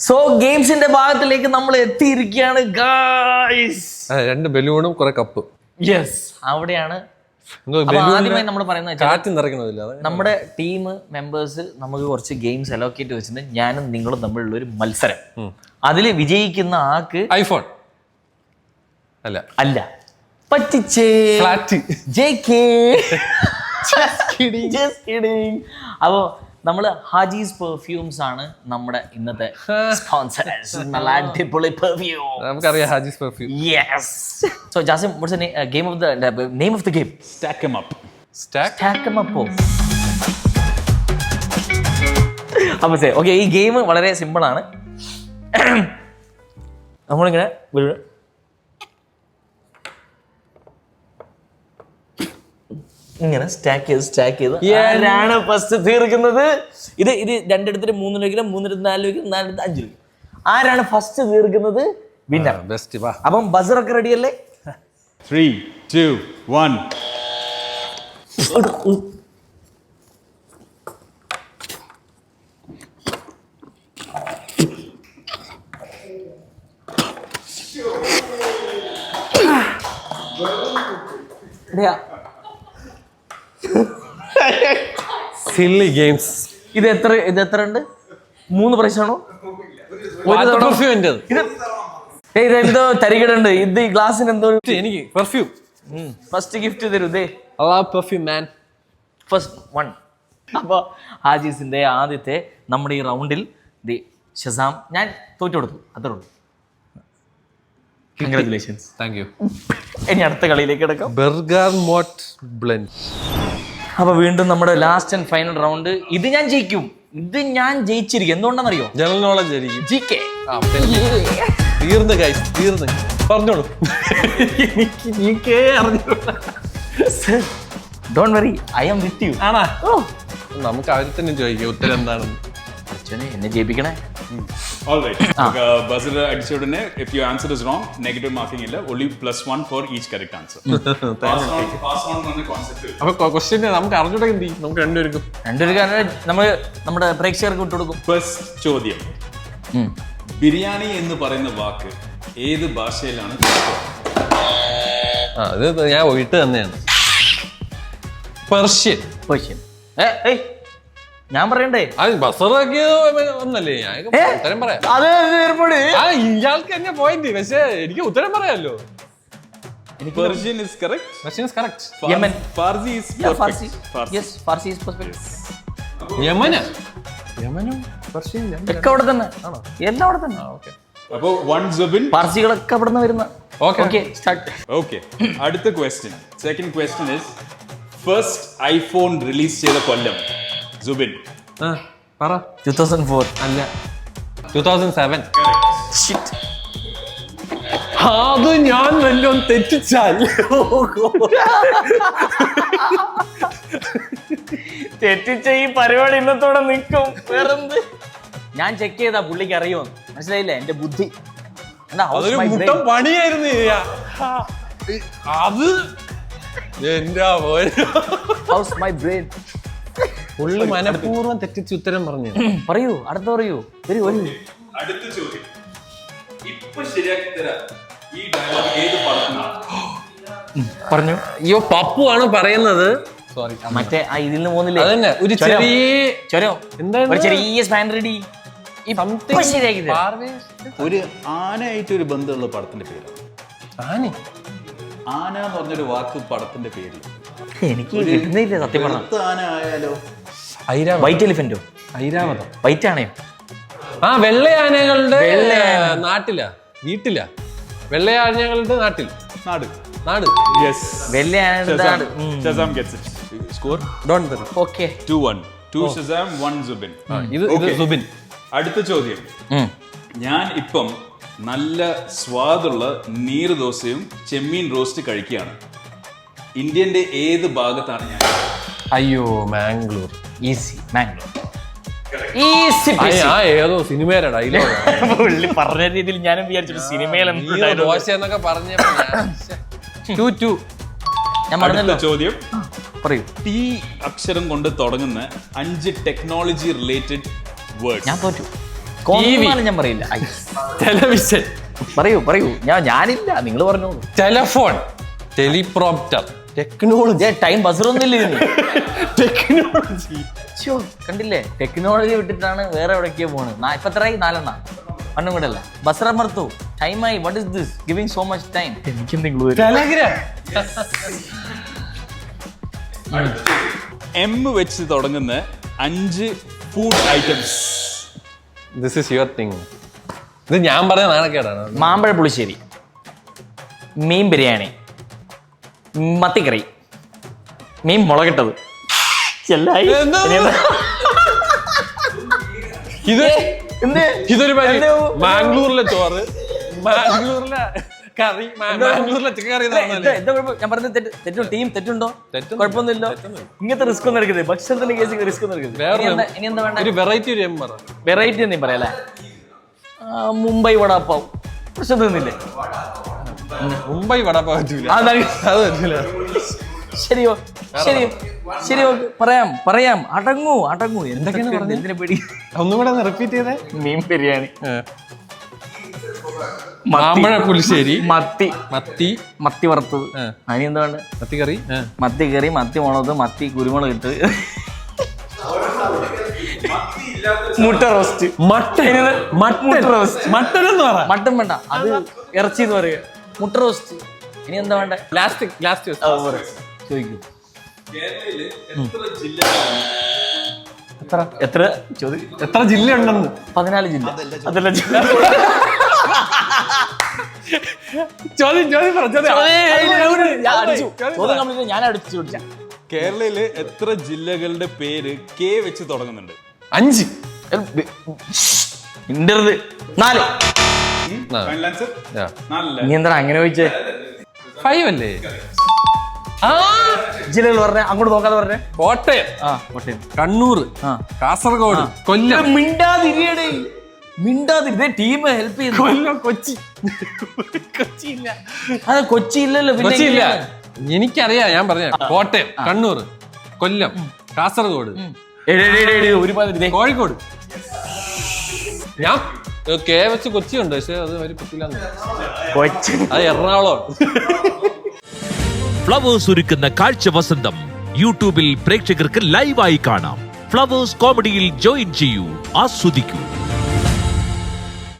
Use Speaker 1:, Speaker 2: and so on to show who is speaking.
Speaker 1: So ഗെയിംസിന്റെ ഭാഗത്തിലേക്ക് നമ്മൾ എത്തിയിരിക്കുകയാണ് ഗായ്സ്.
Speaker 2: 2 ബലൂണും കുറെ കപ്പ്.
Speaker 1: യെസ്, അവിടെയാണ് ആദ്യമായി നമ്മൾ പറയുന്നത്. നമ്മുടെ ടീം മെമ്പേഴ്സ് നമുക്ക് കുറച്ച് ഗെയിംസ് അലോക്കേറ്റ് വെച്ചിട്ട് ഞാനും നിങ്ങളും തമ്മിലുള്ള ഒരു മത്സരം. അതിൽ വിജയിക്കുന്ന ആൾക്ക്
Speaker 2: ഐഫോൺ
Speaker 1: അല്ല പറ്റിച്ചേ അപ്പോ നമ്മള് ഹാജീസ് പെർഫ്യൂംസ് ആണ് നമ്മുടെ ഇന്നത്തെ സ്പോൺസേഴ്സ്. നല്ല അടിപൊളി പെർഫ്യൂം
Speaker 2: നമുക്കറിയാം, Hajees perfume.
Speaker 1: Yes. So Jasim, what's the name of the game?
Speaker 3: Stack 'em up.
Speaker 1: Stack 'em up. അപ്പൊ ഓക്കെ, ഈ ഗെയിം വളരെ സിമ്പിൾ ആണ്. നമ്മളിങ്ങനെ ഇങ്ങനെ സ്റ്റാക്ക് ചെയ്ത് ആരാണ് ഫസ്റ്റ് തീർക്കുന്നത്? ഇത് 2 എടുത്തിട്ട് 3 രൂപയ്ക്കും 3 എടുത്ത് 4 രൂപയ്ക്കും 4 എടുത്ത് 5 രൂപ. ആരാണ് ഫസ്റ്റ് തീർക്കുന്നത് വിന്നർ. അപ്പം ബസറൊക്കെ റെഡി അല്ലേ?
Speaker 3: 3, 2, 1.
Speaker 2: Silly games.
Speaker 1: ഇത് എത്ര ഉണ്ട്? 3 പ്രൈസാണോ? ഇതെന്തോ തരികിടുണ്ട്. ഇത് ഈ ഗ്ലാസിന് എന്തോ
Speaker 2: എനിക്ക് പെർഫ്യൂം
Speaker 1: ഫസ്റ്റ് ഗിഫ്റ്റ് തരൂ.
Speaker 2: Perfume man
Speaker 1: first 1. അപ്പൊ ഹാജീസിന്റെ ആദ്യത്തെ നമ്മുടെ ഈ റൗണ്ടിൽ ഷസാം ഞാൻ തോറ്റു കൊടുത്തു, അത്രേ ഉള്ളൂ. കൺഗ്രാറ്റുലേഷൻസ്.
Speaker 2: Thank you.
Speaker 1: ഇനി അടുത്ത കളിയിലേക്ക് കിടക്കാം.
Speaker 2: Bergamot blend.
Speaker 1: അപ്പൊ വീണ്ടും നമ്മുടെ ലാസ്റ്റ് ആൻഡ് ഫൈനൽ റൗണ്ട്. ഇത് ഞാൻ ജയിക്കും. ഇത് ഞാൻ ജയിച്ചിരിക്കും. എന്തുകൊണ്ടാണെന്നറിയോ?
Speaker 2: ജനറൽ നോളജ് ആയിരിക്കും.
Speaker 1: GK.
Speaker 2: തീർന്ന് ഗൈസ്, തീർന്ന് പറഞ്ഞോളൂ.
Speaker 1: എനിക്ക് GK അറിഞ്ഞൂടാ. Don't worry, I am with you.
Speaker 2: ആണാ? നമുക്ക് അവരെ തന്നെ ചോദിക്കാം ഉത്തരം എന്താണെന്ന്.
Speaker 1: എന്നെ ജയിപ്പിക്കണേ.
Speaker 3: All right. Buzzer അടിച്ച ഉടനെ if your answer is wrong, negative marking ഇല്ല. Only +1 for each correct answer. Pass on എന്ന concept.
Speaker 2: അപ്പൊ ക്വസ്റ്റ്യൻ നമുക്ക് അറിഞ്ഞൂടെ എന്ത് ചെയ്യും? നമുക്ക് രണ്ടുപേർക്കും
Speaker 1: നമ്മൾ നമ്മുടെ പ്രേക്ഷകർക്ക് വിട്ടുകൊടുക്കും.
Speaker 3: ഫസ്റ്റ് ചോദ്യം, ബിരിയാണി എന്ന് പറയുന്ന വാക്ക് ഏത് ഭാഷയിലാണ്?
Speaker 2: അത് ഞാൻ ഒഴിട്ട് തന്നെയാണ്. പേർഷ്യൻ.
Speaker 1: ഞാൻ പറയണ്ടേ?
Speaker 2: ഒന്നല്ലേ, ഞാൻ ഉത്തരം പറയാം. ഇയാൾക്ക് തന്നെ പോയിന്റ്, പക്ഷേ എനിക്ക് ഉത്തരം പറയാമല്ലോ.
Speaker 3: Persian is correct.
Speaker 2: Persian is correct.
Speaker 1: Yemen.
Speaker 3: Farsi is perfect.
Speaker 1: Yes, Farsi is perfect.
Speaker 2: യമനും പെർഷ്യൻ
Speaker 1: ഒക്കെ അവിടെ തന്നെ. എല്ലാം അവിടെ തന്നെ.
Speaker 3: അപ്പോ 1 Zubin.
Speaker 1: പാർസികളൊക്കെ അവിടെ നിന്ന് വരുന്ന.
Speaker 2: Okay,
Speaker 1: start.
Speaker 3: Okay. അടുത്ത question. Second question is first iPhone release ചെയ്ത കൊല്ലം. Zubin.
Speaker 2: പറ.
Speaker 1: 2004.
Speaker 2: അല്ല, 2007.
Speaker 1: Shit.
Speaker 2: അത് ഞാൻ വല്ലോം തെറ്റിച്ചാൽ
Speaker 1: തെറ്റിച്ച ഈ പരിപാടി ഇന്നത്തോടെ നിൽക്കും. വേറെന്ത്? ഞാൻ ചെക്ക് ചെയ്താ പുള്ളിക്ക് അറിയുമോ? മനസ്സിലായില്ലേ? എന്റെ ബുദ്ധി
Speaker 2: അതൊരു മുട്ടം പണിയായിരുന്നു. അത് എന്റെ
Speaker 1: ഹൗസ് മൈ ബ്രെയിൻ.
Speaker 2: പുള്ളി മനഃപൂർവ്വം തെറ്റിച്ച് ഉത്തരം പറഞ്ഞു.
Speaker 1: പറയൂ, അടുത്ത പറയൂ. വരൂ.
Speaker 3: അടുത്ത ചോദ്യം, ഇപ്പൊ ശരിയാക്കി തരാം. ഈ ഡയലോഗ് ഏത് പടത്തിനാണ്?
Speaker 1: പറഞ്ഞു.
Speaker 2: അയ്യോ, പപ്പു ആണ് പറയുന്നത്. സോറി,
Speaker 1: മറ്റേ ഇതിൽ നിന്ന് പോകുന്നില്ലേ?
Speaker 2: അതന്നെ, ഒരു
Speaker 1: ചൊരോ എന്താണ്? ഒരു ചെറിയ സ്പാൻ റെഡി. ശരിയാക്കി
Speaker 3: ഒരു ആനയായിട്ട് ഒരു ബന്ധമുള്ള പടത്തിന്റെ പേര്. ആന എന്ന് പറഞ്ഞൊരു വാക്ക് പടത്തിന്റെ പേര്
Speaker 1: എനിക്ക് കിട്ടുന്നില്ല സത്യം പറഞ്ഞ.
Speaker 3: ആന ആയാലോ?
Speaker 1: വൈറ്റ് എലിഫന്റോ?
Speaker 2: ഐരാവതം.
Speaker 1: വൈറ്റ് ആനയോ?
Speaker 2: വെള്ള ആനകളുടെ നാട്ടിലാ, വീട്ടിലാ. വെള്ള ആനകളുടെ നാട്ടിൽ. നാട്.
Speaker 3: യെസ്,
Speaker 1: വെള്ള ആനയുടെ നാട്.
Speaker 3: Shazam gets it. Score?
Speaker 2: Don't worry.
Speaker 1: Okay.
Speaker 3: 2-1. 2 Shazam, 1 Zubin.
Speaker 2: ഇത് സുബിൻ.
Speaker 3: അടുത്ത ചോദ്യം, ഞാൻ ഇപ്പം നല്ല സ്വാദുള്ള നീർദോശയും ചെമ്മീൻ റോസ്റ്റ് കഴിക്കുകയാണ്. ഇന്ത്യന്റെ ഏത് ഭാഗത്താണ് ഞാൻ?
Speaker 2: അയ്യോ, മാംഗ്ലൂർ.
Speaker 1: ഈസി, മാംഗ്ലൂർ. ഈസി.
Speaker 2: ഏതോ സിനിമയുടെ ഡയലോഗ്.
Speaker 1: പുള്ളി പറഞ്ഞ രീതിയിൽ ഞാനും വിചാരിച്ചു സിനിമയിൽ
Speaker 2: ദോശ എന്നൊക്കെ പറഞ്ഞപ്പോ 2-2.
Speaker 1: ഞാൻ പറഞ്ഞല്ലോ.
Speaker 3: ചോദ്യം,
Speaker 1: പറയൂ.
Speaker 3: ടി അക്ഷരം കൊണ്ട് തുടങ്ങുന്ന 5 ടെക്നോളജി റിലേറ്റഡ് വേർഡ്സ്.
Speaker 1: ഞാൻ തോറ്റു. കോമാളി ഞാൻ പറയില്ല.
Speaker 2: ടെലിവിഷൻ,
Speaker 1: പറയൂ ഞാനില്ല, നിങ്ങൾ പറഞ്ഞോളൂ.
Speaker 2: Telephone, teleprompter, technology.
Speaker 1: ടൈം ബസറൊന്നും ഇല്ല ഇതിന്.
Speaker 2: ടെക്നോളജി
Speaker 1: കണ്ടില്ലേ, ടെക്നോളജി വിട്ടിട്ടാണ് വേറെ എവിടേക്കോ പോണ്. ഇപ്പൊ എത്രയായി? 4 ഒന്നും കൂടെ അല്ല. ബസറമർത്തു ടൈമായി. What is this giving so much time? എനിക്കെന്തെങ്കിലും
Speaker 2: ടെലഗ്രാം.
Speaker 3: M വെച്ച് തുടങ്ങുന്ന 5 food items.
Speaker 2: This is your thing. ഇത് ഞാൻ പറഞ്ഞ നാണക്കേടാണ്.
Speaker 1: മാമ്പഴ പുളിശ്ശേരി, മീൻ ബിരിയാണി, മത്തിക്കറി, മീൻ മുളകിട്ടത്. ചെല്ലായി.
Speaker 2: ഇത് ഇതൊരു മാംഗ്ലൂരിലെ ചോറ്, മാംഗ്ലൂരിലെ കറി, മാംഗ്ലൂരിലെ ചിക്കൻ കറി.
Speaker 1: ഞാൻ പറഞ്ഞത് തെറ്റുണ്ടോ? ടീം തെറ്റുണ്ടോ? കുഴപ്പമൊന്നുമില്ലോ. ഇങ്ങനത്തെ റിസ്ക് ഒന്നും എടുക്കുന്നത്, ഭക്ഷണത്തിന്റെ കേസ് റിസ്ക് ഒന്നും എടുക്കുന്നത്. ഇനി എന്താ വേണ്ട?
Speaker 2: ഒരു വെറൈറ്റി. ഒരു
Speaker 1: വെറൈറ്റി എന്തെങ്കിലും പറയാല്ലേ? മുംബൈ വടാപ്പാവ് പ്രശ്നം തോന്നില്ലേ?
Speaker 2: മുംബൈ വടാപ്പാവ് പറ്റൂല. അത് പറ്റൂല.
Speaker 1: ശരിയോ? പറയാം. അടങ്ങൂ. എന്തൊക്കെയാണ് പേടി?
Speaker 2: ഒന്നും കൂടെ റിപ്പീറ്റ് ചെയ്തേ.
Speaker 1: മീൻ ബിരിയാണി,
Speaker 2: മാമ്പഴ പുളിശ്ശേരി,
Speaker 1: മത്തി വറുത്തത്. അതിന് എന്താ വേണ്ട?
Speaker 2: മത്തിക്കറി,
Speaker 1: മത്തി മുളക്, മത്തി കുരുമുളക് ഇട്ട്, മുട്ട റോസ്റ്റ്, മട്ടൻ വേണ്ട, അത് ഇറച്ചി എന്ന് പറയുക. മുട്ട റോസ്റ്റ്. ഇനി എന്താ വേണ്ട?
Speaker 2: ലാസ്റ്റ്
Speaker 1: ചോദിക്കൂ.
Speaker 2: എത്ര ജില്ല ഉണ്ടെന്ന്?
Speaker 1: 14 ജില്ല. അതല്ല ഞാൻ അടിച്ചു ചോദിച്ച
Speaker 3: കേരളയില് എത്ര ജില്ലകളുടെ പേര് K വെച്ച് തുടങ്ങുന്നുണ്ട്?
Speaker 2: 5.
Speaker 1: ഇന്റർത് 4.
Speaker 3: Final answer?
Speaker 1: നീ എന്താ അങ്ങനെ ചോദിച്ചേ?
Speaker 2: 5 അല്ലേ?
Speaker 1: ജില്ലകൾ പറഞ്ഞേ, അങ്ങോട്ട് നോക്കാതെ പറഞ്ഞേ.
Speaker 2: കോട്ടയം,
Speaker 1: കോട്ടയം,
Speaker 2: കണ്ണൂർ, കാസർഗോഡ്, കൊല്ലം.
Speaker 1: മിണ്ടാതിരുന്നേ. ടീം ഹെൽപ്പ് ചെയ്യുന്നു.
Speaker 2: കൊല്ലം, കൊച്ചി.
Speaker 1: കൊച്ചി ഇല്ലല്ലോ.
Speaker 2: കൊച്ചിയില്ല. എനിക്കറിയാം, ഞാൻ പറഞ്ഞ കോട്ടയം, കണ്ണൂർ, കൊല്ലം, കാസർഗോഡ്, കോഴിക്കോട്. ഞാൻ K വെച്ച് കൊച്ചി ഉണ്ട്, പക്ഷെ അത് ഒരു പറ്റില്ല. അത് എറണാകുളം.
Speaker 4: ഫ്ലവേഴ്സ് ഒരുക്കുന്ന കാഴ്ച വസന്തം യൂട്യൂബിൽ പ്രേക്ഷകർക്ക് ലൈവായി കാണാം. ഫ്ലവേഴ്സ് കോമഡിയിൽ ജോയിൻ ചെയ്യൂ, ആസ്വദിക്കൂ.